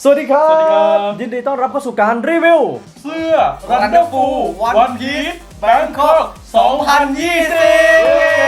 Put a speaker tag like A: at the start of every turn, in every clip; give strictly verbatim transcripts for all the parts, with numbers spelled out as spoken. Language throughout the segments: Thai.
A: สวัสดีครั
B: สวัสดีครับ บ
A: ยินดีต้อนรับเข้าสู่การรีวิว
B: เสื้อ Wonderful One Piece Bangkok สองพันยี่สิบ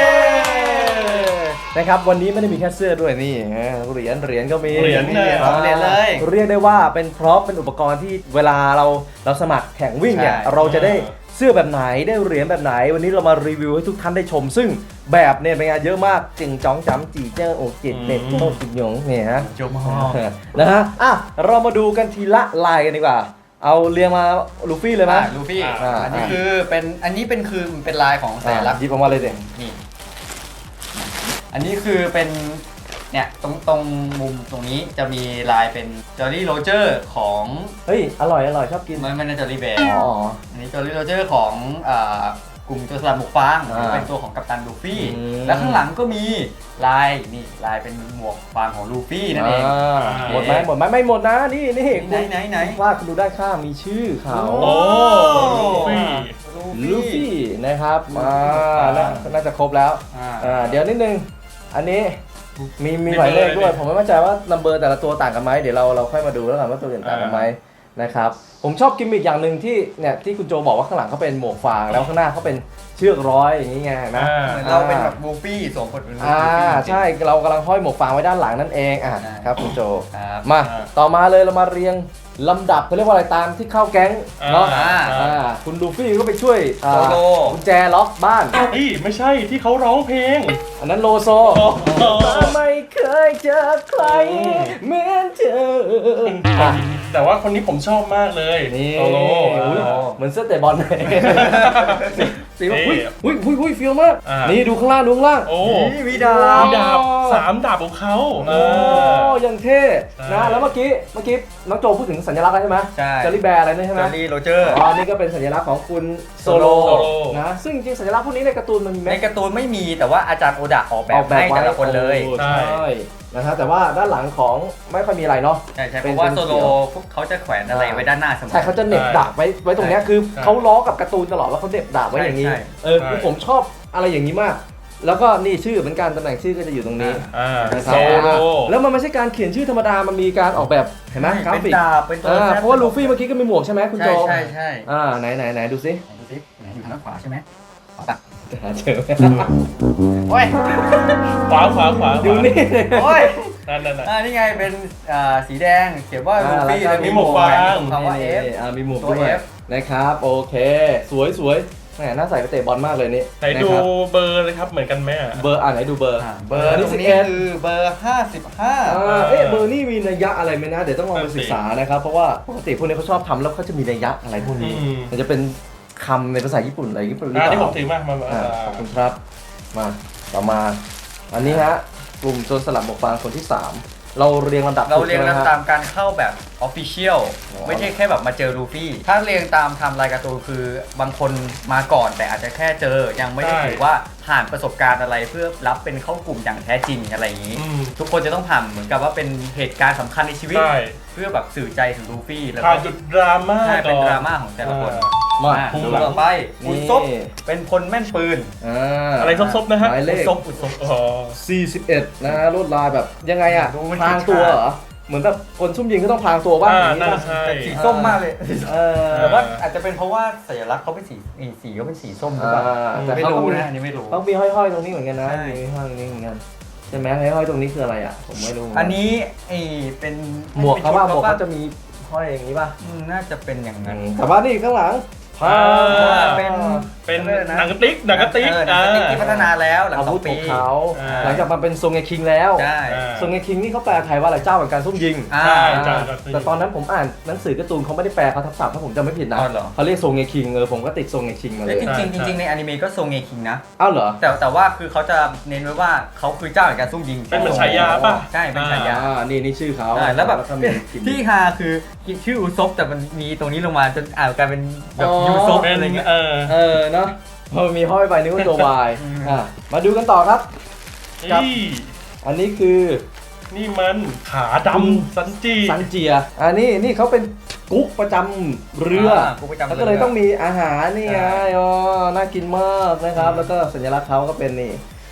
A: นะครับวันนี้ไม่ได้มีแค่เสื้อด้วยนี่เหรียญเหรียญก็มี
B: เหรียญเลย
A: อ่า
C: เหรียญเลย
A: เรียกได้ว่าเป็นพร็อพเป็นอุปกรณ์ที่เวลาเราเราสมัครแข่งวิ่งเนี่ย
C: ใช่
A: เราจะได้เสื้อแบบไหนได้เหรียญแบบไหน วันนี้เรามารีวิวให้ทุกท่านได้ชม ซึ่งแบบเนี่ยเป็นงานเยอะมากจิงจ้องจำจีเจ้าโอจิตเน็ตโตจิตหยงเนี่ยฮะ
C: จบมาก
A: นะฮะอ่ะเรามาดูกันทีละลายกันดีกว่า เอาเรียงมาลูฟี่เลยไหม
C: ลูฟี่
A: อ่า
C: อันนี้คือเป็นอันนี้เป็นคือเป็นลายของสัญลักษณ์
A: หยิบออกมาเลยเด็
C: นี่อันนี้คือเป็นเนี่ยตรงตรงมุมตรงนี้จะมีลายเป็นจอร์รี่โรเจอร์ของ
A: เฮ้ยอร่อยอร่อยชอบกิน
C: มันมันเป็นจอร์รี่แบร์
A: อ๋อ
C: อันนี้จอร์รี่โรเจอร์ของอ่ากลุ่มโจรสลัดหมวกฟาง
A: อ่า
C: เป็นตัวของกัปตันลูฟี่
A: อืม
C: แล้วข้างหลังก็มีลายนี่ลายเป็นหมวกฟางของลูฟี่นั่นเอง
A: อ่าหมดไหมหมดไหมไม่หมดนะนี่นี่
C: ไหนไหนไหน
A: ว่าคุณดูด้านข้างมีชื่อเขา
B: โอ้ลูฟี่
A: ลูฟี่นะครับอ่าน่าน่าจะครบแล้ว
C: อ่า
A: อ่าเดี๋ยวนิดนึงอันนี้มีมีหมายเลขด้วยผมไม่มั่นใจว่านัมเบอร์แต่ละตัวต่างกันไหมเดี๋ยวเราเราค่อยมาดูแล้วกันว่าตัวอื่นต่างกันไหมนะครับผมชอบกิมมิคอย่างหนึ่งที่เนี่ยที่คุณโจบอกว่าข้างหลังเขาเป็นหมวกฟางแล้วข้างหน้าเขาเป็นเชือกร้อยอย่างนี้ไงนะ
B: อ่า
C: เหมือนเราเป็นแบบลูฟี่สวมบทเป็นลู
A: อ่า
C: ฟี่จริงๆ
A: ใช่เรากำลังห้อยหมวกฟางไว้ด้านหลังนั่นเองอ่ะ
C: ใช่
A: ครับคุณโจ
C: ครับ
A: มาต่อมาเลยเรามาเรียงลำดับเขาเรียกว่าอะไรตามที่เข้าแก๊งเนาะ
B: อ่า
A: อ่าคุณลูฟี่ก็ไปช่วยอ่า
C: โซโล
A: กุญแจล็อกบ้าน
B: เฮ้ยไม่ใช่ที่เขาร้องเพลง
A: อันนั้นโลโซ
B: โอ้โห
A: ไม่เคยเจอใครเหมือนเธออ่ะ
B: แต่ว่าคนนี้ผมชอบมากเลย
A: นี่
B: โซโล
A: อุ๊ย
B: อ่า
A: เหมือนเสื้อเตะบอลเลยสีว่า
B: นี่
A: อุ้ยอุ้ยอุ้ยอุ้ยฟิลมาก
B: อ่านี่
A: นี่ดูข้างล่างดูข้างล่าง
B: โอ้
C: นี่มีดา
B: มี
C: บ
B: ดาบสามดาบของเขาเอ
A: โอ้
B: อ
A: ยังเท่
B: ใช่
A: นะแล้วเมื่อกี้เมื่อกี้น้องโจพูดถึงสัญลักษณ์แล้วใช่ไหม
C: ใช่
A: จอร์รี่แบร์อะไรนี่ใช่ไห
C: จ
A: ม
C: อร์รี่โรเจอร์
A: อ๋อนี่ก็เป็นสัญลักษณ์ของคุณโซโล
B: โซโล
A: นะซึ่งจริงๆสัญลักษณ์พวกนี้ในการ์ตูนมันมีไหม
C: ในการ์ตูนไม่มีแต่ว่าอาจารย์โอดะออกแบ
A: อบ อกแบบ
C: ให้แต่ละคนเลย
A: โอ้
B: ใช่
A: ใช่นะฮะแต่ว่าด้านหลังของไม่ค่อยมีอะไรเนาะ
C: ใช่ใช่เพ
A: เป็น
C: ราะว่า
A: เป็น
C: โซโล
A: เขียว
C: พวกเขาจะแขวนอะไรไว้ด้านหน้าเสมอ
A: ใช่เขาจะเหน็บดาบไว้ไว้ตรงเนี้ยคือ
B: ใช่
A: เขาล้อกับการ์ตูนตลอดแล้วเขาเหน็บดาบไว้อย่างนี้
C: ใช่
A: เออ
B: ใช่
A: คือผมชอบอะไรอย่างนี้มาก แล้วก็นี่ชื่อเหมือนกันตำแหน่งชื่อก็จะอยู่ตรงนี้
B: อ่า
A: นะค
B: โซ
A: รับ
B: โล
A: แล้วมันไม่ใช่การเขียนชื่อธรรมดามันมีการออกแบบเห็นไหมกรา
C: เป็น
A: ฟิก
C: ดาบเป็นตัว
A: อ่า
C: แทน
A: เพราะว่าลูฟี่เมื่อกี้ก็มีหมวกใช่ไหมคุณโจ
C: ใช่ใช่ใช่
A: อ่าไหนไหนไหนดูสิ
C: ไหนดูสิไหนอยู่ทางด้านขวาใช่ไหมขวาปะ
A: จะหาเจอไหม
C: โอ้ย
B: ขวาขวาขวา
A: ดูนี่
C: โอ้ย
B: นั่นนั่นน่ะ
C: อ่านี่ไงเป็นอ่าสีแดงเขียนว่า
A: อ่า
C: ลูฟี่
A: แล้วก็
C: แล้ว
B: มีหมวกฟาง
C: คำว่า
A: นี่
C: F
A: อ่ามีหมวก
C: ตัว
A: ด้วย
C: F
A: นะครับโอเค สวยสวยแหมน่าใส่ไปเตะบอลมากเลยนี่
B: ไหนดู
A: ะครับ
B: เบอร์เลยครับเหมือนกันไหมอ่ะ
A: เบอร์อ่าไหนดูเบอร์
C: อ่าเบอร์ตรงนี้คือเบอร์ห้าสิบห้า
A: อ่าเอ๊ะเบอร์นี่มีนัยยะอะไรไหมนะ เดี๋ยวต้องลองไป
B: นั่นสิ
A: ศึกษานะครับ เพราะว่าปกติพวกนี้เขาชอบทำแล้วเขาจะมีนัยยะอะไรพวกนี้
B: อืม
A: มันจะเป็นคำในภาษาญี่ปุ่นอะไรญี่ปุ่นหรือ
B: อ่า
A: เป
B: ที่ผม
A: ล่า
B: ถือมามามา
A: อ่าขอบคุณครับมาต่อมา อันนี้ฮะกลุ่มโจรสลัดหมวกฟางคนที่สามเราเรียงลำดับ
C: เราเรียง
A: ถูกใช่ไห
C: ลำ
A: ฮะ
C: ตามการเข้าแบบออฟฟิเชียล
A: อ๋อ
C: ไม่ใช่แค่แบบมาเจอลูฟี่ ถ้าเรียงตามไทม์ไลน์การ์ตูนคือบางคนมาก่อนแต่อาจจะแค่เจอ ยังไม่ได้ถือว่าผ่านประสบการณ์อะไรเพื่อรับเป็นเข้ากลุ่มอย่างแท้จริงอะไรอย่างนี้
B: อืม
C: ทุกคนจะต้องผ่านเหมือนกับว่าเป็นเหตุการณ์สำคัญในชีวิต
B: ใช่
C: เพื่อแบบสื่อใจถึงลูฟี่แล้ว
B: ผ่าน
C: ก็
B: จุดดราม่า
C: ใช่
B: ก่
C: เป็น
B: อน
C: ดราม่าของแต่ละคน
A: มา
C: อ่ะ
B: ถูก
C: ดู
B: หลัง
C: ต่อไปอุซบ
A: นี่
C: เป็นคนแม่นปืน
A: อ่า
B: อะไรซบๆนะฮะ
A: หมายเล
C: อุ
A: ข
C: ซบอุซบ
B: อ๋อ
A: สี่สิบเอ็ดนะฮะลวดลายแบบยังไงอ่ะ
C: ดูมัน
A: พรางตัวเหรอเหมือนแบบคนซุ่มยิงก็ต้องพรางตัวบ้าง
B: อ่า
A: อย่างนี้
B: นั่น
A: ป่ะ
B: ใช่
C: แต่สีส้มมากเลย
A: เออ
C: แต่ว่าอาจจะเป็นเพราะว่าสัญลักษณ์เขาเป็นสีอีสีก็เป็นสีส้มหรือเปล่า
A: อ่าแต่
C: ไม่
A: เขาก็
C: รู้
A: มี
C: นะอันนี้ไม่รู้
A: ต้องมีห้อยๆตรงนี้เหมือนกันนะ
C: ใช่
A: มีห้อยๆตรงนี้เหมือนกันใช่ไหมห้อยๆตรงนี้คืออะไรอ่ะผมไม่รู้
C: อันนี้ไอเป็น
A: หมวกเขาว่าหมวก
C: ป็นชุด
A: เขาจะมีห้อยอย่างนี้ป่ะ
C: อืมน่าจะเป็นอย่างนั้น
A: แต่ว่านี่ข้างหลัง
B: อ่า
C: เป็น
B: เป็น
C: อะไรนะ
B: หนังกระติกหนังกระติก
C: เออหนังกระติกที่พัฒนาแล้วหลัง
A: อา
C: สอ
A: วุ
C: ง
A: ธข
C: ปี
A: องเขา
B: อ่า
A: หลังจากมาเป็นทรงเงคิงแล้ว
C: ใช่
B: อ่า
A: ทรงเงคิงนี่เขาแปลไทยว่าอะไรเจ้าแห่งการซุ่มยิง
C: อ่า
B: ใช่
A: อ่า
B: เจ้าแห่งการซุ่มยิง
A: แต่ตอนนั้นผมอ่านหนังสือการ์ตูนเขาไม่ได้แปลเขาทับศัพท์ถ้าผมจำไม่ผิดนะ
C: อ๋อเหรอ
A: เขาเรียกทรงเงคิงเออผมก็ติดทรงเงคิงมาเล
C: แล้ว
A: ย
C: จริงๆจริงๆในอนิเมะก็ทรงเงคิงนะ
A: อ้าวเหรอ
C: แต่แต่ว่าคือเขาจะเน้นไว้ว่าเขาคือเจ้าแห่งการซุ่มยิง
B: เป็นเหมือนฉายาป่ะ
C: ใช่เป็นฉายา
A: อ่านี่นี่ชื่อเขา
C: ใช่แล้วแบบ
A: ก็มีคิม
C: ที่ฮาคือชื่ออุซบแต่มันมีตรงนี้ลงมาจนอ่านกลายเป็นแบบ
A: อ๋อ
C: ยูซบ
B: เป็น
C: อะไรเงี้ย
B: เออ
A: เออเนาะพอมีห้อยไปนึกว่าตัววาย
C: อืม
A: อ่ะมาดูกันต่อครับ ครับ
B: นี่
A: อันนี้คือ
B: นี่มันขาดำซันจิ
A: ซันเจียอันนี้นี่เขาเป็นกุ๊กประจำเรืออา
C: กุ๊กประจำเรือ
A: แล้วก็เลยต้องมีอาหารนี่ไงอ๋อน่ากินมากนะครับ แล้วก็สัญลักษณ์เขาก็เป็นนี่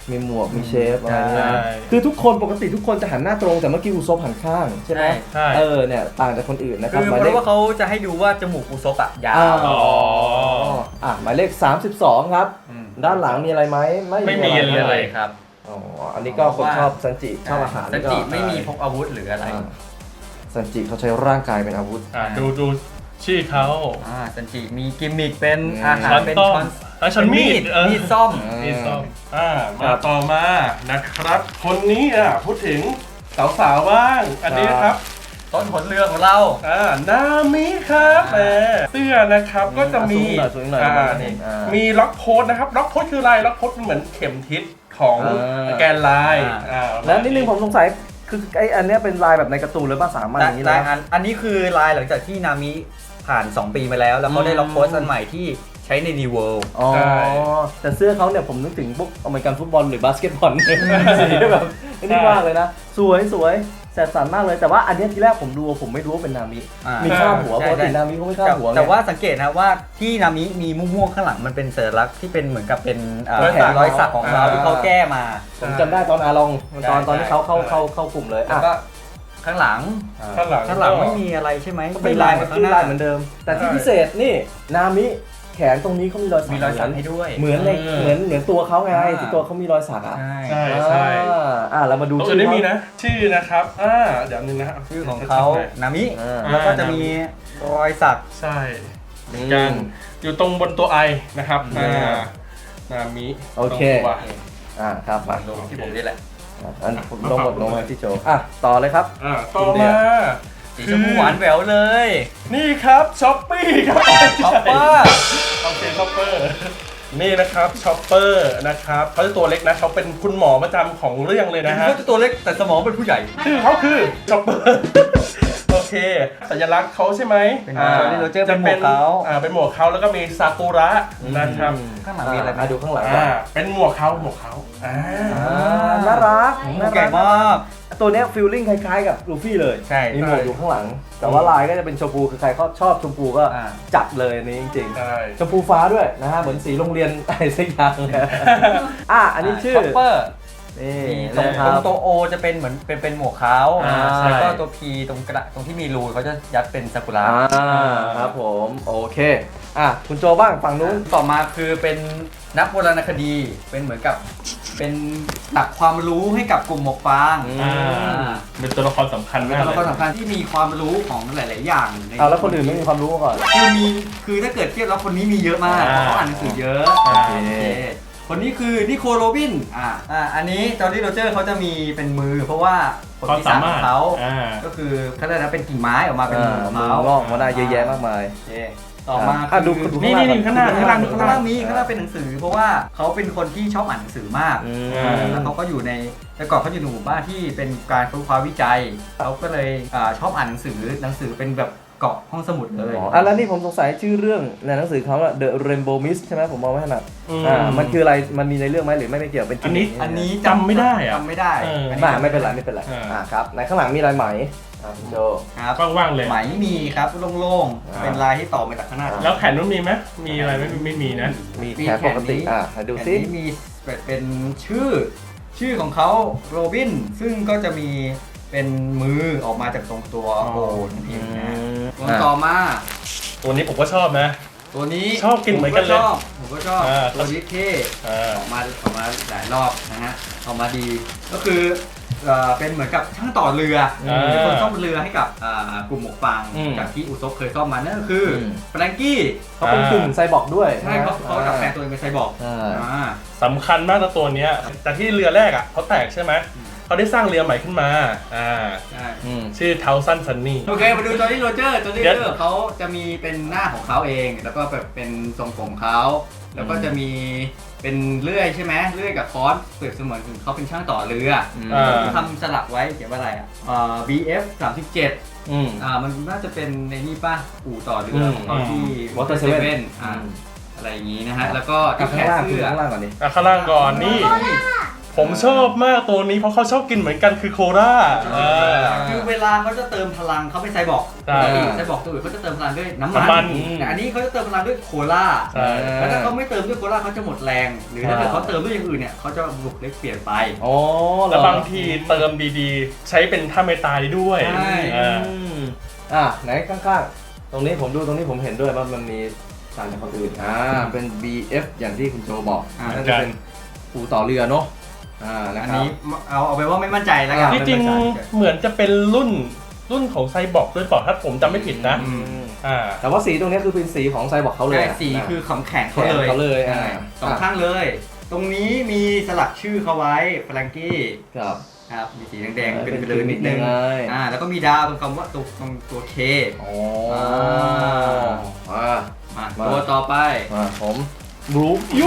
A: มีหมวกมีเชฟอะไร
C: ใช่
A: เนี่ยคือทุกคนปกติทุกคนจะหันหน้าตรงแต่เมื่อกี้อุซบหันข้างใช่ไหม
B: ใช่
A: เออเนี่ยต่างจากคนอื่นนะครับ
C: คือ
A: หมาย
C: เพ
A: เลข
C: ราะว่าเขาจะให้ดูว่าจมูกอุซบอะยา
A: อ้าว
C: ว
B: อ๋อ
A: อ่ะหมายเลขสามสิบสองครับ
C: อืม
A: ด้านหลังมีอะไรไหม
B: ไม่มี
A: อะไร
B: เลย
C: ครับ
A: อ๋ออันนี้ก็คนชอบซันจิชอบอาหาร
C: สันจิไม่มีพกอาวุธหรืออะไร
A: อ่าซันจิเขาใช้ร่างกายเป็นอาวุธ
B: อ่ะดูดูชื่อเขา
C: อ่าสันจิมีกิมมิคเป็น
A: อืม
C: อาหาร
B: ช้อน
C: เป็น
B: ต้ม
C: ช้อน
B: แล้วช้อนมีดเออ
C: มีดซ่อม
B: มีดส้มอ่า
A: ครั
B: มา
A: บ
B: ต่อมานะครับ คนนี้อ่ะพูดถึงสาวๆบ้าง อันนี้นะครับ
C: ต้นผลเรือของเรา
B: อ่านามิครับแหมเสื้อนะครับก็จะมี
A: อ่ะสูงหน่อยสูงหน่อย
B: อ่า
A: ประมาณนี้อ่ามี
B: มีล็อกโพสนะครับล็อกโพสคืออะไรล็อกโพสมันเหมือนเข็มทิศของ
A: อ่า
B: แกนไลน์
C: อ่า
B: อ่า
A: แล้วนิดนึงผมสงสัยคือไออันเนี้ยเป็นลายแบบในการ์ตูนหรือเปล่าสามอันอย่างนี้
C: ลาย
A: นะ
C: อันอันนี้คือลายหลังจากที่นามิผ่าน สอง ปีมาแล้ว แล้วเขาได้ล็อกโพสต์อันใหม่ที่ใช้ในดีเวิลด์
A: อ๋อแต่เสื้อเขาเนี่ยผมนึกถึงพวกอเมริกันฟุตบอลหรือบาสเกตบอลสีแบบนี่มากเลยนะ สวยสวยแสบสันมากเลยแต่ว่าอันเนี้ยทีแรกผมดูผมไม่รู้ว่าเป็นนามิ
C: อ่า
A: มีข้าบหัว
C: ใช่
A: ปกติ
C: ใช่
A: นามิเขาไม่ข้าบหัวไง
C: แต่ว่าสังเกตนะว่าที่นามิมีม่วงๆข้างหลังมันเป็นสัญลักษณ์ที่เป็นเหมือนกับเป็นอ่าร
B: อยสัก
C: รอยสักของเรา
B: อ่า
C: ที่เขาแก้มา
A: ผมจำได้ตอนอาลองตอน
C: ใช่
A: ตอนที่เขาเข้า
B: ใช่
A: เข้าเข้ากลุ่มเลย
C: แล้ว
A: อ่ะ
C: ก็ข้างหลัง
B: ข้างหลัง
C: ข้างหลังไม่มีอะไรใช่ไหม
A: ก็เป็นลายเหมือน
C: ข้างหน้า
A: ลายเหมือนเดิม แต่ที่พิเศษนี่นามิแขนตรงนี้เขามีรอยสัก
C: มีรอยสักให้ด้วย
A: เหมือนเลย
B: เออ
A: เหมือนเหมือนตัวเขาไง
C: อ่า
A: ที่ตัวเขามีรอยสักอ่ะ
C: ใช่
B: ใช่ใช่
A: อ่าอ่าเรามาดู
B: ตัว
A: ชื่
B: อื่นไม่
A: เขา
B: มีนะ ชื่อนะครับอ่าเดี๋ยวนึงนะครับ
C: ชื่อของเขานามิ
A: อ่า
C: แล้วก็จะมีรอยสัก
B: ใช่เหมือนกันอยู่ตรงบนตัวไอนะครับ
A: อืม
B: อ่านามิ
A: โอเค
B: ตรงตัว
A: อ่าครับมา
C: ลงที่ผมนี่แหละ
A: อ่ะอันผมลงหมดลงมาที่โจอ่ะต่อเลยครับ
B: อ่าต่อมา
C: สีชมพูหวานแหววเลย
B: นี่ครับช้อปปี้ครับ
C: ช็อปเปอร์
B: โอเคช้อปเปอร์นี่นะครับช้อปเปอร์นะครับเขาจะตัวเล็กนะเขาเป็นคุณหมอประจำของเรื่องเลยนะฮะ
C: เขาจะตัวเล็กแต่สมองเป็นผู้ใหญ่
B: ชื่อเขาคือช็อปเปอร์โอเค สัญลักษณ์เขาใช่ไหม
C: เป็น
B: อ่า
C: Jolly Roger เป็นหมวก
B: จะ
C: เขา
B: อ่าเป็นหมวกเขาแล้วก็มีซากุระนะครับ
C: ข้างหลังมีอะไรไหม
A: อ่ะดูข้างหลัง
B: อ่าเป็นหมวกเขาหมวกเขาอ่า
A: อ่าน่ารัก
C: หมวกใหญ่มาก
A: ตัวเนี้ยฟีลลิ่งคล้ายๆกับลูฟี่เลย
C: ใช่
A: มีหมวกอยู่ข้างหลัง แต่ว่าลายก็จะเป็นชมพูคือใครเขาชอบชมพูก็
C: อ่า
A: จัดเลยอันนี้จริง
B: ใช่
A: ๆชมพูฟ้าด้วยนะฮะเหมือนสีโรงเรียน อะไรสักอย่างอ่ะอันนี้ชื่อ
C: ช็อปเปอร์
A: นี่
C: มีตรง
A: นะค
C: ต
A: รั
C: รง
A: บ
C: ตัวโอจะเป็นเหมือนเป็นเป็นหมวกเขา
A: อ่า
C: แล้วก็ตัวพีตรงกระตรงที่มีรูเขาจะยัดเป็นซากุระ
A: อ่าครับผมโอเคอ่ะคุณโจบ้างฝั่งนู้น
C: ต่อมาคือเป็นนักโบราณคดี เป็นเหมือนกับเป็นตักความรู้ให้กับกลุ่มหมวกฟาง
A: อืม
B: อ่าเป็นตัวละครสำคัญ
C: เป็น
B: มาก
C: ตัว
B: เล
C: ละคร
B: ย
C: สำคัญที่มีความรู้ของหลาย ๆ อย่างใน
A: เอาแล้วคนอื่นไม่มีความรู้มาก่อน
C: คือมีคือถ้าเกิดเทียบแล้วคนนี้มีเยอะมากเพราะเขาอ่านหนังสือเยอะ
B: โอเค
C: โอเคคนนี้คือนิโคลโรบินอ่าอ่าอันนี้จอร์ดี้โรเจอร์เขาจะมีเป็นมือ เพราะว่าผล
B: ความ
C: พิ
B: สา
C: ศาจข
B: มา
C: อ
B: รง ถ
C: เขา
B: อ่า
C: ก็คือเขาเรียกนะเป็นกิ่งไม้ออกมาเป็น
A: อ่า
C: มือของ
A: มือ
C: เขา
A: งอกมาได้เยอะแยะมากมาย
C: โอเคต่อมา
A: อ่ะดู
C: คือ
A: ดู
B: นี่นี่นี่ข้างหน้า
C: ข้างล่าง
B: ข้าง
C: ข้าง
B: หน้า
C: ล่างมีข้างล่างเป็นหนังสือ เพราะว่าเขาเป็นคนที่ชอบอ่านหนังสือมาก
A: อืม
B: อ่า
C: แล้วเขาก็อยู่ในแต่ก่อนเขาอยู่ในหมู่บ้านที่เป็นการค้นคว้าวิจัยเขาก็เลยอ่าชอบอ่านหนังสือหนังสือเป็นแบบเกาะห้องสมุดเลย
A: อ๋ออ่ะแล้วนี่ผมสงสัยชื่อเรื่องในหนังสือเขาอะ The Rainbow Mist ใช่ไหมผมมองไม่ถนัด
B: อืม
A: อ่ามันคืออะไรมันมีในเรื่องไหมหรือไม่ไม่เกี่ยวเป็น
B: อันนี้
A: กิมมิค
C: อันนี้
B: จำไม่ได้อะ
C: จำไม่ได้
B: เออ
C: อันนี้
A: มา
C: จำ
A: ไม่เป็นไรไม่เป็นไร
B: อ่า
A: อ่าครับในข้างหลังมีลายไหมอ่าคุณโจ
C: ครับ
B: ว่างๆเลย
C: ไหมมีครับโล่ง
A: อ่า
C: ๆเป็นลายที่ต่อมาจากข้างหน้า
B: แล้วแขนนู้นมีไหมมีอะไรไหมไม่มีนะ
A: มี
C: มี
A: แขนปกติ
C: แขนนี้
A: อ่าให้ดู
C: อัน
A: ซิ
C: นี้มีเป็นชื่อ ชื่อของเขาโรบินซึ่งก็จะมีเป็นมือออกมาจากตรงตัวโอนั่นเองนะ
A: ม
C: ตัวต่อมา
B: ตัวนี้ผมก็ชอบนะ
C: ตัวนี้
B: ชอบกินเหมือนกันเลย
C: ผมชอบผมก็ชอบ
B: อ่า
C: ตัวนี้เท่
B: อ่า
C: ออกมาออกมาหลายรอบนะฮะออกมาดีก็คือเอ่อเป็นเหมือนกับช่างต่อเรือ
B: อ่า
C: เป็นคนซ่อมเรือให้กับอ่ากลุ่มหมวกฟาง
A: อืม
C: จากที่อุซบเคยซ่อมมานั่นก็คืออ
A: ม
C: แฟรงกี้
A: เขาเป็นกึ่งไซบอร์กด้วย
C: ใช่เขาเขาดัดแปลงตัวเองเป็นไซบอร์ก
A: อ่า
C: อ่า
B: สำคัญมากนะตัวเนี้ยแต่ที่เรือแรกอ่ะเขาแตกใช่ไหม
C: อืม
B: เขาได้สร้างเรือใหม่ขึ้นมาอ่า
C: ใช่
A: อืม
B: ชื่อเทาซันซันนี่
C: โอเคมาดูจอร์ดี้โรเจอร์จอร์ดี้
B: เดี๋
C: โร
B: ยว
C: เจอร์เขาจะมีเป็นหน้าของเขาเอง แล้วก็แบบเป็นทรงผมเขาแล้วก็จะมีเป็นเลื่อยใช่ไหมเลื่อยกับค้อนเปรียบเสมือนถึงเขาเป็นช่างต่อเรือ
A: อืม
B: อ่า
C: ทำสลักไว้เขียนว่าอะไรอ่ะเอ่อ บี เอฟ สามสิบเจ็ด
A: อืม
C: อ่ามันน่าจะเป็นในนี่ป่ะอู่ต่อเรือของเขาที่
A: Water
C: Seven
A: Seven
C: อ่าอะไรอย่างนี้นะฮะแล้วก็
A: อ่ะ
C: ที่แข
A: ข้าง
C: น
A: ล่างคือ
C: เสื้อ
A: ข้างล่างก่อนดิ
B: อ่ะข้างล่างก่อนนี่ผมชอบมากตัวนี้เพราะเขาชอบกินเหมือนกันคือโคล่าอ่า
C: คือเวลาเขาจะเติมพลังเขาเป็นไซบอร์ก
B: ใช่
C: ปกติไซบอร์กตัวอื่นเขาจะเติมพลังด้วยน้ำมัน
B: น้ำมัน
C: แต่อันนี้เขาจะเติมพลังด้วยโคล่า
B: ใช่
C: แล้วถ้าเขาไม่เติมด้วยโคล่าเขาจะหมดแรง หรือถ้าเกิดเขาเติมด้วยอย่างอื่นเนี่ยเขาจะบุกเล็กเปลี่ยนไป
A: อ๋อเหรอ
B: แล้วบางทีเติมดีๆ ใช้เป็นท่าเมตายด้วย
C: ใช่
B: อ่า
A: อืมอ่ะไหนข้างๆ ตรงนี้ผมดูตรงนี้ผมเห็นด้วยว่ามันมีต่างจากคนอื่นอ่าเป็น บี เอฟ อย่างที่คุณโจบอก
C: อ่า
A: น่าจะเป็นปูต่อเรือเนาะอ่านะ
C: อัน
A: ครับ
C: นี้เอาเอาไปว่าไม่มั่นใจแล้วกัน
A: อ่า
B: ที่จริงเหมือนจะเป็นรุ่นรุ่นของไซบอร์กด้วยเปล่าถ้าผมจำไม่ผิดนะ
C: อืม
B: อ่า
A: แต่ว่าสีตรงนี้คือเป็นสีของไซบอร์กเขาเลย
C: ใช่
A: อะ
C: สีคือของแข็ง
A: แข
C: เขา
A: น
C: เลย
A: เขาเลยอ่า
C: ใช่สองข้างเลย ตรงนี้มีสลักชื่อเขาไว้แฟรงกี้
A: ครับ
C: ครับมีสีแดงๆเป็นเบลอนิดนึง
A: เป็นไง
C: อ่าแล้วก็มีดาวตรงคำว่าตรงตรงตัวเค
A: อ๋อ
C: อ่า
A: มา
C: มา
A: มา
C: ตัวต่อไป
A: มาผมรูปยู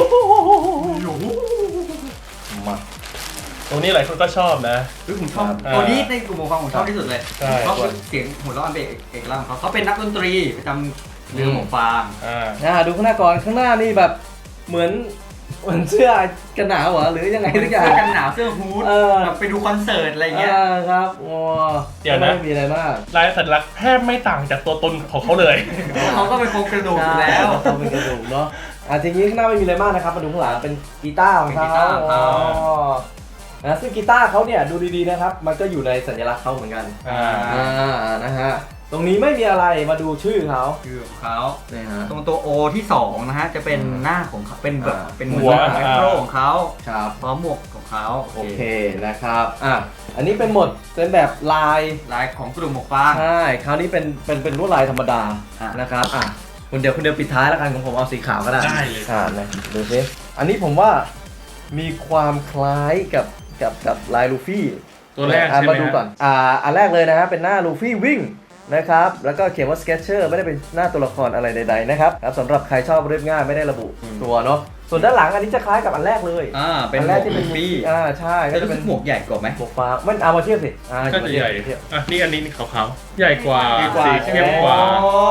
A: มา
B: ตัวนี้หลายคนก็ชอบนะ
C: เฮ้ยผมชอบ
B: อ่า
C: ตัวนี้ในกลุ่มของความผมชอบที่สุดเลย
B: ใช่
C: เพราะเสียงหัวเราะอันเป็นเอกลักษณ์ของเขาเขาเป็นนักดนตรีประจำเรือหมวกฟาง
B: อ่า
A: อ่าดูข้างหน้าก่อนข้างหน้านี่แบบเหมือนเหมือนเสื้อกันหนาวเหรอหรือยังไงทุกอย่าง
C: เสื้อกันหนาวเสื้อฮูด
A: เออ
C: แบบไปดูคอนเสิร์ตอะไรเงี้ย
A: อ่าครับโอ้
B: เดี๋ยวนะ
A: ไม่มีอะไรมาก
B: ลายสัญลักษณ์แทบไม่ต่างจากตัวตนของเขาเลย
C: เขาก็เป็นโครงกระดูกอยู่แล้ว
A: เขาเป็นกระดูกเนาะอ่าทีนี้ข้างหน้าไม่มีอะไรมากนะครับมาดูข้างหลังเป็นกีตาร์ของเขา
C: เป็นกีตาร์ของเขา
A: อ๋อนะซึ่งกีตาร์เขาเนี่ยดูดีๆนะครับมันก็อยู่ในสัญลักษณ์เขาเหมือนกัน
B: อ่า
A: อ่านะฮะตรงนี้ไม่มีอะไรมาดูชื่อเขา
C: คือของเขา
A: เนี่ยฮะ
C: ตรงตัว O ที่สองนะฮะจะเป็นหน้าของเขาเป็นแบบ
A: อ่า
C: เป็น
B: หัว
C: แมคโครของเขา
A: ครับ
C: พร้อมหมวกของเขา
A: โอเคนะครับอ่ะอันนี้เป็นหมดเป็นแบบลาย
C: ลายของกลุ่มหมวกฟาง
A: ใช่คราวนี้เป็นเป็นเป็นลวดลายธรรมดา
C: อ่ะ
A: นะครับอ่ะคุณเดียวคุณเดียวปิดท้ายแล้วกันของผมเอาสีขาวก็ได้
B: ได้เลย
A: อ่านะดูสิอันนี้ผมว่ามีความคล้ายกับกับกับลายลูฟี่
B: ตัวแรก
A: อ่ะ
B: ใช่ไหม
A: มาดูก่อนอ่าอันแรกเลยนะฮะเป็นหน้าลูฟี่วิ่งนะครับแล้วก็เขียนว่า Sketcher ไม่ได้เป็นหน้าตัวละครอะไรใดๆนะครับครับสำหรับใครชอบเรียบง่ายไม่ได้ระบุตัวเนาะส่วนด้านหลังอันนี้จะคล้ายกับอันแรกเลย
C: อ่าเป็น
A: อัน
C: หม
A: แร
C: ว
A: ก
C: ก
A: ที่เป็น
C: ลูฟี่
A: อ่าใช่ก็
C: ก็
A: จะ
C: จะ
A: เป็
C: เป็น นหมวกใหญ่กว่าไหม
A: หมวกฟ้ามันเอามาเทียบสิอ่า
B: ก็จะใหญ่
A: เทียบ
B: อ่ะนี่อันนี้ขาวๆใหญ่กว่า
C: ใหญ่กว่า
B: สีเข้มกว่า
A: อ๋อ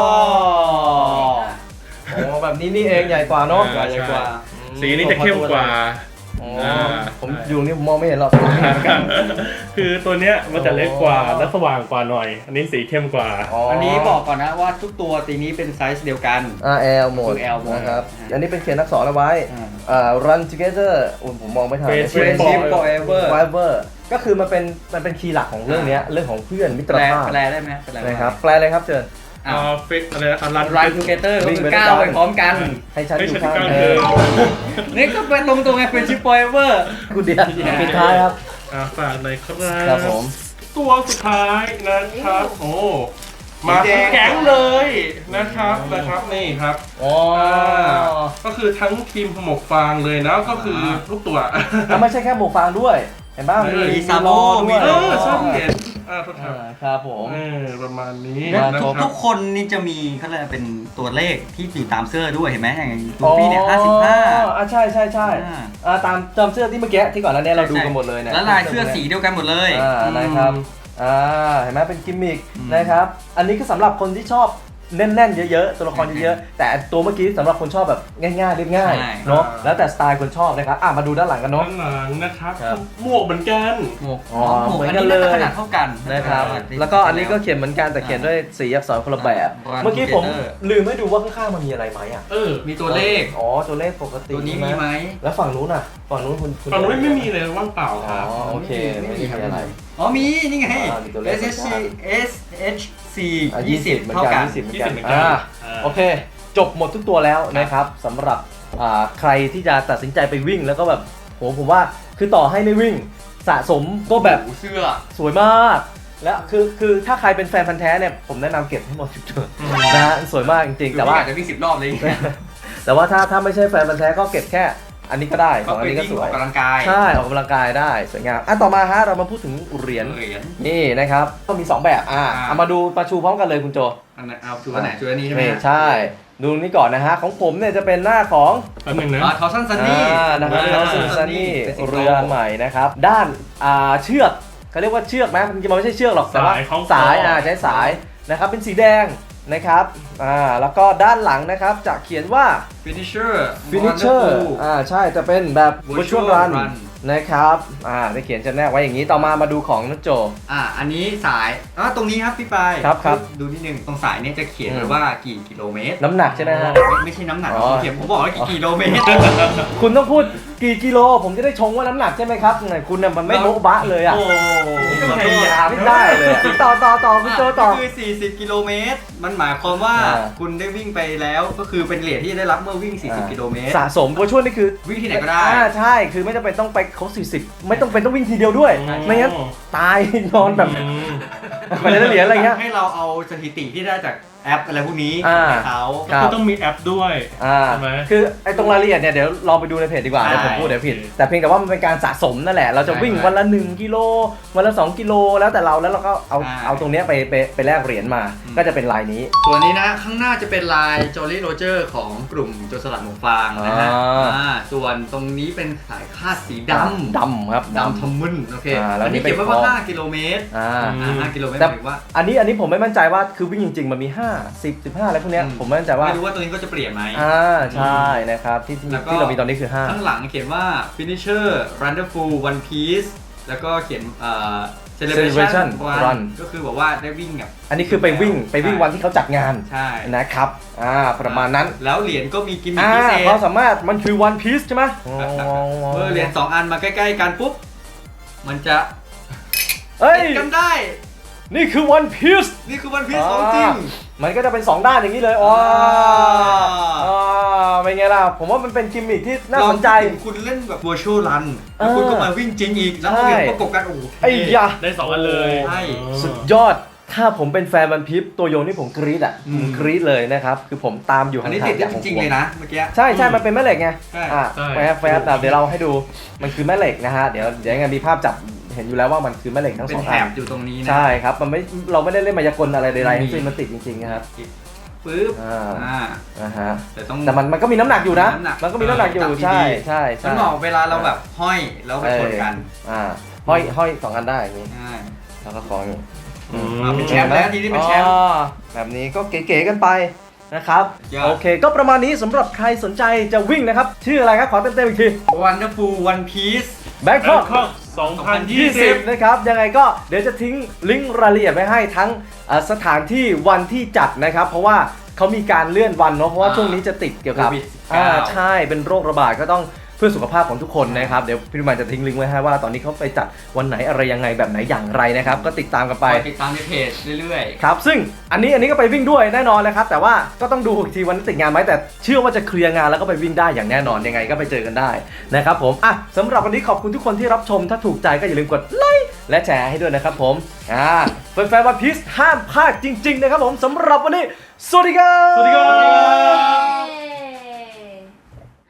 A: โอ้แบบนี้นี่เองใหญ่กว่าเนาะ
B: อ่า
C: ใหญ่กว่า
B: สีนี้จะเข้มกว่า
A: อ๋อ
B: อ่า
A: ผมอยู่นี่ผมมองไม่เห็นหรอก
B: คือตัวเนี้ยมันจะเล็กกว่าและสว่างกว่าหน่อย อันนี้สีเข้มกว่า
C: อันนี้บอกก่อนนะว่าทุกตัวตีนี้เป็นไซส์เดียวกัน
A: อ่า L หมด
C: คือ L หมด
A: นะครับ
C: อ่า
A: อันนี้เป็นเขียนอักษรเอาไว้
C: อ่า
A: อ่า run together อุ้ยผมมองไม่ทัน
B: Friendship
C: Friendship forever
A: forever ก็คือมันเป็นมันเป็นคีย์หลักของเรื่องเนี้ยเรื่องของเพื่อนมิต
C: แป
A: ร
C: ล
A: ภาพ
C: แปลได้ไหมแปลว่า
A: นะครับแปลเลยครับเชิญ
C: อ่ะ
B: อ่าฟิกอะไรนะรัน
C: Run together ก็
A: วิ่ง
C: คือ
A: ไปด้วย
C: ก้าว
A: กัน
C: ไปพร้อมกัน
A: ให้ฉัน
B: ให้
A: อยู่
B: ฉัน
A: ข้าง
B: อยู่
A: เธ
B: ข้าง
A: อ
B: เธอ
C: นี่ก็เป็นตรงตรงไง Friendship forever
A: คุณเดียวปิดท้ายครับ
B: อ่าฝากหน่อยครับ
A: ครับผม
B: ตัวสุดท้ายนะครับ โอ้ มา
C: สีแดง
B: แก๊งเลยนะครับนะครับนี่ครับ
A: อ๋อ
B: ก็คือทั้งทีมหมวกฟางเลยนะก็คือทุกตัว
A: แล้วไม่ใช่แค่หมวกฟางด้วย เห็นป่ะ
B: เออ
A: มี
C: มีซาโบ
A: ล้อด้วย
B: เออใช่เห็นอ่าโทษครับ
A: อ่าครับผม
B: เออประมาณนี้
A: มา
B: นะ
A: ครบ
B: ค
C: ทุ
B: รับ
C: กคนนี่จะมีเขาเรียกว่าเป็นตัวเลขที่อยู่ตามเสื้อด้วยเห็นไหมอย่างลูฟี่เนี่ยห้าสิบห้า
A: อ๋ออ่ะใช่ใช่ใช่
C: อ่า
A: อ่าตามจำเสื้อที่เมื่อกี้ที่ก่อนหน้านี้เราดูกันหมดเลยเนี่ย
C: แล้วลายเสื้อสีเดียวกันหมดเลย
A: อ่านะครับอ่าเห็นไหมเป็นกิมมิคนะครับ อันนี้ก็สำหรับคนที่ชอบแน่นๆเยอะๆตัวละครเยอะๆแต่ตัวเมื่อกี้สำหรับคนชอบแบบง่ายๆเรียบง่าย
C: ใช่
A: เนาะแล้วแต่สไตล์คนชอบนะครับอ่ะมาดูด้านหลังกันเนาะ
B: ด้านหลังนะครับ
A: ครับ
B: หมวกเหมือนกัน
C: หมวก
A: อ๋อ
C: หมวก
A: เหมือน
C: อัน
A: กัน
C: นี้
A: เลย
C: น่าจะขนาดเท่ากัน
A: นะครับ แล้วก็อันนี้ก็เขียนเหมือนกันแต่เขียนด้วยสีอักษรคนละแบบ
C: Run
A: เมื่อกี้ผม
C: Together
A: ลืมไม่ดูว่าข้างๆมันมีอะไรไหมอ่ะ
B: เออ
C: มีตัวเลข
A: อ๋อตัวเลขปกติ
C: ตัวนี้
A: ใช่
C: มีไหม
A: แล้วฝั่งนู้นอ่ะฝั่งนู้นคุณคุณ
B: ตอนนู้นไม่มีเลยว่างเปล่า
A: อ๋
B: ค
A: อ
B: รับ
A: โอเคไม่มีอะไร
C: อ๋อมีนี่ไง
A: อ่ามีตัวเลข
C: S H C S H C
A: อ่ะ
C: ยี่สิบ
A: เหมือน
C: เท่า
A: กั
C: กัน น
A: ยี่สิบเหมือน
B: ยี่
A: กั
B: สิ
A: น
B: บเหมือนกัน
A: อ่า
B: อ่า
A: โอเค จบหมดทุกตัวแล้วนะครับสำหรับอ่าใครที่จะตัดสินใจไปวิ่งแล้วก็แบบโหผมว่าคือต่อให้ไม่วิ่งสะสมก็แบบ
C: โอ้โหเสื้อ
A: สวยมาก แล้วคือคือถ้าใครเป็นแฟนพันธ์แท้เนี่ยผมแนะนำเก็บให้หมดทุกตัวนะฮะสวยมากจริงๆ แต่ว่า
C: อาจจะวิ่งสิบรอบเลย
A: แต่ว่าถ้าถ้าไม่ใช่แฟนพันธ์แท้ก็เก็บแค่อันนี้ก็ได้ส
C: ก็
A: องอัน
C: ไป
A: นี้ก็
C: วิ่ง
A: ส
C: อ
A: ว
C: อย กกำลังกาย
A: ใช่ออกกำลังกายได้สวยงามอ่ะต่อมาฮะเรามาพูดถึงเหรียญ
C: เหรียญ
A: นี่นะครับก็มีสองแบบอ่ะ
C: อ่า
A: เอามาดูประชูพร้อมกันเลยคุณโจ
C: อันไหนเอาชูอันไหนชูอันนี้ใช่ไหม
A: นี่ใช่ ดูนี่ก่อนนะฮะของผมเนี่ยจะเป็นหน้าของ
B: แป๊บนึงนะ
C: อ่าทอซันซันนี่
A: อ่านะครับ
B: อ่า
A: เราซึ่งซันนี่
C: เป็นสิงโต
A: เรือใหม่นะครับ ด้านอ่าเชือกเขาเรียกว่าเชือกไหมจริงๆมันไม่ใช่เชือกหรอกแต่ว่า
B: สายของ
A: สาย
B: คออ่
A: อ่าใช้สายนะครับเป็นสีแดงนะครับอ่าแล้วก็ด้านหลังนะครับจะเขียนว่า
C: Finisher
A: Finisher อ่าใช่จะเป็นแบบ Virtual
C: Virtual
A: Run
C: Run
A: นะครับอ่าได้เขียนจำแนกไว้อย่างนี้ต่อมามาดูของนักโจ
C: อ่าอันนี้สายอ่าตรงนี้ครับพี่ปาย
A: ครับครับ
C: ดูนิดนึงตรงสายเนี่ยจะเขียน
A: อืม
C: ไว้ว่ากี่กิโลเมตร
A: น้ำหนักใช่ไหมฮะ
C: ไม่ไม่ใช่น้ำหนัก
A: อ๋อ
C: ผมเขียนผมบอกว่ากี่กิโลเมตร
A: คุณต้องพูดกี่กิโลผมจะได้ชงว่าน้ำหนักใช่ไหมครับไหนคุณน่ะมันไม่โบ๊ะบะเลยอ่ะ
C: โอ้
B: ก็พยายาม
A: ไม่ได้เลยอะต่อต่อต่อคุณโจต่อ
C: คือสี่สิบกิโลเมตรมันหมายความว่า
A: อ่า
C: คุณได้วิ่งไปแล้วก็คือเป็นเหรียญที่ได้รับเมื่อวิ่งสี่สิบกิโลเมตร
A: สะสมตัวช่วยนี่คือ
C: วิ่งที่ไหนก็ได้
A: อ่าใช่คือไม่จำเป็นต้องไปครบสี่สิบไม่ต้องเป็นต้องวิ่งทีเดียวด้วย
B: อืม
A: ไม่งั้นตาย นอนแบบ
B: อืม
A: มันจะได้เหรียญอะไรเงี้ย
C: ให้เราเอาสถิติที่ได้จากแอปอะไรพวกนี้
A: อ่า
C: ให้เขา
A: ครับ
B: ก็ต้องมีแอปด้วย
A: อ่า
B: ใช่ไหม
A: คือไอ้ตรงรายละเอียดเนี่ยเดี๋ยวลองไปดูในเพจดีกว่า
C: ใช่
A: เดี๋ยวผมพูดเดี๋ยวผิด แต่เพียงแต่ว่ามันเป็นการสะสมนั่นแหละ เราจะวิ่ง
C: ใช่
A: วันละหนึ่งกิโลวันละสองกิโลแล้วแต่เราแล้วเราก็เอา
C: ใช่
A: เอาตรงเนี้ยไปไปไปแลกเหรียญมา
C: อืม
A: ก็จะเป็นลายนี้
C: ส่วนนี้นะข้างหน้าจะเป็นลายจอร์ลี่โรเจอร์ของกลุ่มโจรสลัดหมูฟางนะฮะ
A: อ่า
C: อ่าส่วนตรงนี้เป็นสายคาดสีดำ
A: ดำครับ
C: ดำทำมึนโอเค
A: อ่าแล้ว
C: อันนี้
A: นี่เป็น
C: เขียนไว้ว่า
A: ของ
C: ห้ากิโลเมตร
A: อ่า
C: อ่าห้ากิโลเมตรห
A: แต่
C: มายถึงว่า
A: อันนี้อันนี้ผมไม่มั่นใจว่าคือวิ่งจริงๆมันมีห้า สิบ สิบห้าอะไรพวกเนี้ย
C: อืม
A: ผมไม่มั่นใจว่า
C: ไม่รู้ว่าตัวนี้ก็จะเปลี่ยนไหม
A: อ่าใช่นะครับที่ที่
C: แล้วก็
A: ที่เรามีตอนนี้คือห้า
C: ข้างหลังเขียนว่า finisher wonderful one piece แล้วก็เขียนเอ่อ celebration
A: celebration
C: one
A: run
C: ก็คือบอกว่าได้วิ่งแบบ
A: อันนี้คือไปวิ่งไปวิ่งวันที่เขาจัดงาน
C: ใช่
A: นะครับอ่าประมาณนั้น
C: แล้วเหรียญก็มีกิมมิค
A: อ่า
C: พิเศษ
A: ความสามารถมันคือ one piece ใช่ไหม
C: เมื่อเหรียญสองอันมาใกล้ๆกันปุ๊บ มันจะ
A: เอ้ย
C: ติดกันได้
A: นี่คือ one piece
C: นี่คือวันพีซของจริง
A: มันก็จะเป็น สอง ด้านอย่างนี้เลยอ๋อ
C: อ่า
A: อ่าเป็นไงล่ะ ผมว่ามันเป็นกิมมิคที่น่าสนใจ
C: ลองคิดถึงคุณเล่นแบบ virtual run แล้วคุณก็มาวิ่งจริงอีก แล้ว
A: ใช่
C: เหรียญประกบกันโอ้โห
A: ไอ้ยะ
B: ได้สองอันเลย
C: ใช่
A: สุดยอด ถ้าผมเป็นแฟนวันพีชตัวโยงนี่ผมกรี๊ดอ่ะ
C: อื
A: ผม มกรี๊ดเลยนะครับ คือผมตามอยู่
C: อัน
A: ห่าง
C: นี้
A: ๆ
C: ติดได้
A: จาก
C: จ
A: ของ
C: ริง
A: ผม
C: ๆเลยนะเมื่อกี้
A: ใช่ใช่มันเป็นแม่เหล็กไง
C: ใช่
A: อ่ะ
B: ใช่
A: แฟบแฟบเดี๋ยวเราให้ดู มันคือแม่เหล็กนะฮะ เดี๋ยวเดี๋ยวยังไงมีภาพจับเห็นอยู่แล้วว่ามันคือแม่เหล็กทั้ง
C: เป็
A: ส
C: น
A: อง
C: แถ
A: อัน
C: บอยู่ตรงนี้นะ
A: ใช่ครับ มันไม่ เราไม่ได้เล่นมายากลอะไรใดๆ
C: ไม่มี
A: ทั้งสิ้นมันติดจริงๆนะครับ
C: ปึ๊บ
A: อ่า
C: อ่า
A: นะฮะ
C: แต่ต้อง
A: แต่มันมันก็มีน้ำหนักอยู่นะ
C: น้ำหนัก
A: มันก็มีน้ำหนักอยู่
C: จับดีๆ
A: ใช่ใช่ใช่
C: มันเหมาะเวลาเราแบบห้อยแล้วไปชนกัน
A: อ่าห้อยห้อยสองอันได้อย่างนี้
C: ใช่
A: แล้วก็คล้องอย่างนี้
B: อืม
C: อ่าเป็นแชมป์แล้วทีนี้เป็นแชมป์
A: อ๋อแบบนี้ก็เก๋ๆกันไปนะครับ
C: ยอด
A: โอเคก็ประมาณนี้สำหรับใครสนใจจะวิ่งนะครับ ชื่ออะไรครับ ขอเต็มๆอีกที
C: Wonderful One Piece
A: แบงคอก
B: Bangkok สองพันยี่สิบ
A: นะครับ ยังไงก็เดี๋ยวจะทิ้งลิงก์รายละเอียดไว้ให้ทั้งเอ่อสถานที่วันที่จัดนะครับ เพราะว่าเขามีการเลื่อนวันเนาะเพราะว่า
C: อ่า
A: ช่วงนี้จะติดเกี่ยวกับ
C: โควิดสิบเก้า
A: อ่าใช่เป็นโรคระบาดก็ต้องเพื่อสุขภาพของทุกคนนะครับ เดี๋ยวพี่รุมันจะทิ้งลิงก์ไว้ให้ว่าตอนนี้เขาไปจัดวันไหนอะไรยังไงแบบไหนอย่างไรนะครับ ก็ติดตามกันไป
C: คอยติดตามในเพจเรื่อย
A: ครับซึ่งอันนี้อันนี้ก็ไปวิ่งด้วยแน่นอนเลยครับแต่ว่าก็ต้องดูอีกทีวันนี้ติดงานไหมแต่เชื่อว่าจะเคลียร์งานแล้วก็ไปวิ่งได้อย่างแน่นอนยังไงก็ไปเจอกันได้นะครับผมอ่ะสำหรับวันนี้ขอบคุณทุกคนที่รับชมถ้าถูกใจก็อย่าลืมกดไลค์และแชร์ให้ด้วยนะครับผมอ่าแฟนๆวันพีซห้ามพลาดจริง ๆ นะครับผมสำหรับวันนี้สวัสดีครับ
B: สวัสดีครับ